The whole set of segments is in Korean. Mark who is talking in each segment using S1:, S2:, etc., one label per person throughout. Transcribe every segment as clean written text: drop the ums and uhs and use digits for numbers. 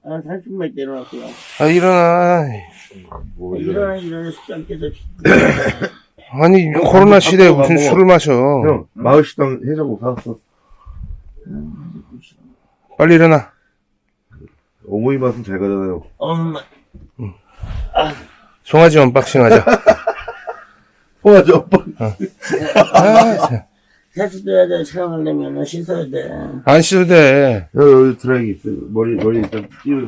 S1: 30분만 내려놨고요.
S2: 아, 일어나.
S3: 뭐
S1: 일어나, 숫장 깨서.
S2: 아니, 코로나 시대에 무슨 술을 마셔.
S3: 형, 마을식당 해장국 사왔어.
S2: 빨리 일어나.
S3: 어머니 맛은 잘 가잖아요.
S1: 엄마.
S2: 송아지 언박싱 하자.
S3: 송아지 오빠.
S2: 아,
S1: 세수도 돼, 촬영하려면 씻어야 돼.
S2: 안 씻어도 돼.
S3: 여기 드라이기 있어. 머리 일단 띄워.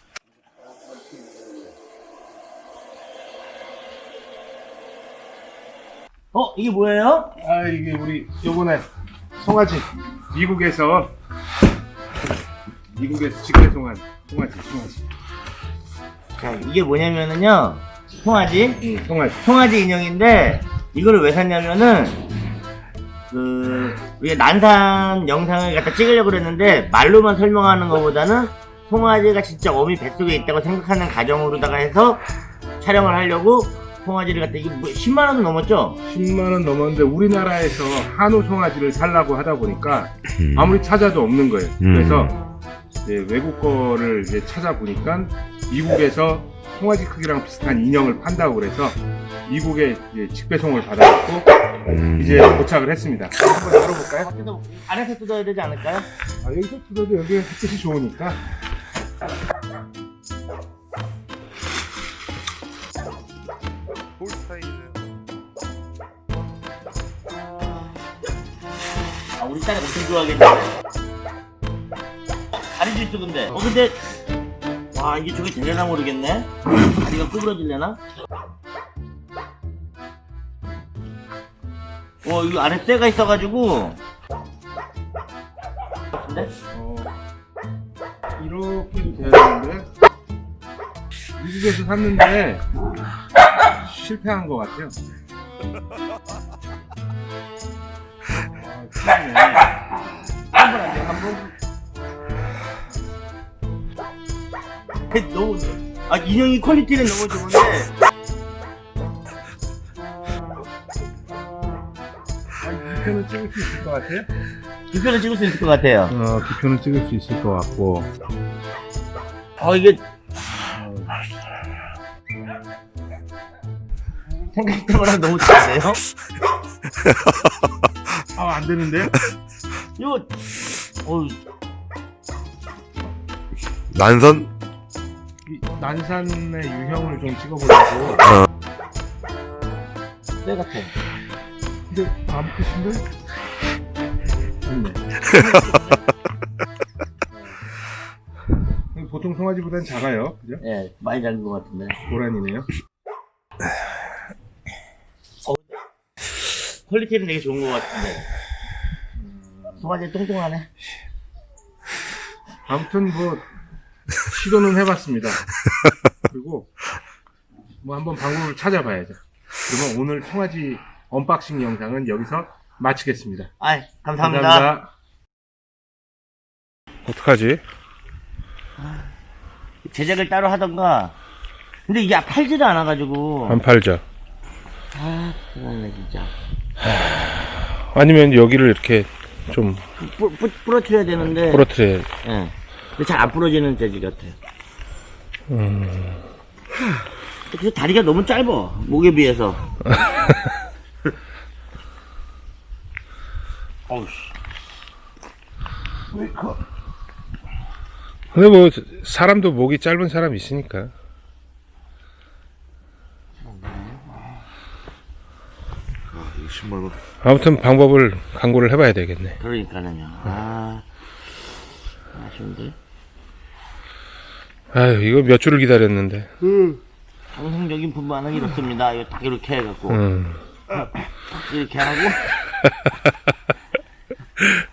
S1: 이게 뭐예요?
S2: 아, 이게 우리 요번에 송아지 미국에서 직계 송아지.
S1: 자, 이게 뭐냐면은요, 송아지?
S2: 송아지.
S1: 송아지 인형인데, 이거를 왜 샀냐면은, 우리가 난산 영상을 갖다 찍으려고 그랬는데, 말로만 설명하는 것보다는, 송아지가 진짜 어미 뱃속에 있다고 생각하는 가정으로다가 해서 촬영을 하려고, 송아지를 갖다, 이게 10만원도 넘었죠?
S2: 10만원 넘었는데 우리나라에서 한우 송아지를 살라고 하다 보니까 아무리 찾아도 없는 거예요. 그래서 이제 외국 거를 이제 찾아보니까 미국에서 송아지 크기랑 비슷한 인형을 판다고 그래서 미국에 이제 직배송을 받아갖고 이제 도착을 했습니다. 한번 열어볼까요?
S1: 안에서 뜯어야 되지 않을까요?
S2: 아, 여기서 뜯어도 여기 햇빛이 좋으니까.
S1: 우리 딸이 엄청 좋아하겠네. 다리도 있어, 근데. 근데, 와, 이게 저게 되려나 모르겠네? 다리가 구부러질려나? 이거 안에 쇠가 있어가지고. 근데?
S2: 이렇게도 돼야 되는데 미국에서 샀는데 실패한 것 같아요.
S1: 한번 안 돼, 한 번. 너무, 인형이 퀄리티는 너무 좋은데.
S2: 두 편은 찍을 수 있을 것 같아요?
S1: 2편을 찍을 수 있을 것 같아요.
S2: 두 편은 찍을 수 있을 것 같고.
S1: 이게. 생각했던 너무 좋은데요?
S2: 안 되는데요?
S1: 이거,
S3: 난선?
S2: 이 난산의 유형을 좀 찍어보려고.
S1: 쇠 같아.
S2: 근데 안 크신데? 좋네. 보통 송아지보단 작아요, 그죠?
S1: 예, 많이 작은 것 같은데.
S2: 고란이네요.
S1: 퀄리티는 되게 좋은 것 같은데. 송아지 뚱뚱하네.
S2: 아무튼 시도는 해봤습니다. 그리고 한번 방법을 찾아봐야죠. 그러면 오늘 송아지 언박싱 영상은 여기서 마치겠습니다.
S1: 감사합니다.
S2: 어떡하지?
S1: 제작을 따로 하던가. 근데 이게 팔지를 않아가지고.
S2: 안 팔죠.
S1: 그러네, 진짜.
S2: 아니면 여기를 이렇게 좀
S1: 부러뜨려야 되는데.
S2: 부러뜨려야.
S1: 예. 근데 잘 안 부러지는 재질 같아요. 그래서 다리가 너무 짧아, 목에 비해서. 어우씨.
S2: 근데 사람도 목이 짧은 사람 있으니까.
S3: 아, 20만원.
S2: 아무튼 방법을 강구를 해봐야 되겠네.
S1: 그러니까는요. 아쉬운데.
S2: 아유, 이거 몇 주를 기다렸는데.
S1: 정상적인 분만은 이렇습니다. 이거 딱 이렇게 해갖고. 이렇게 하고.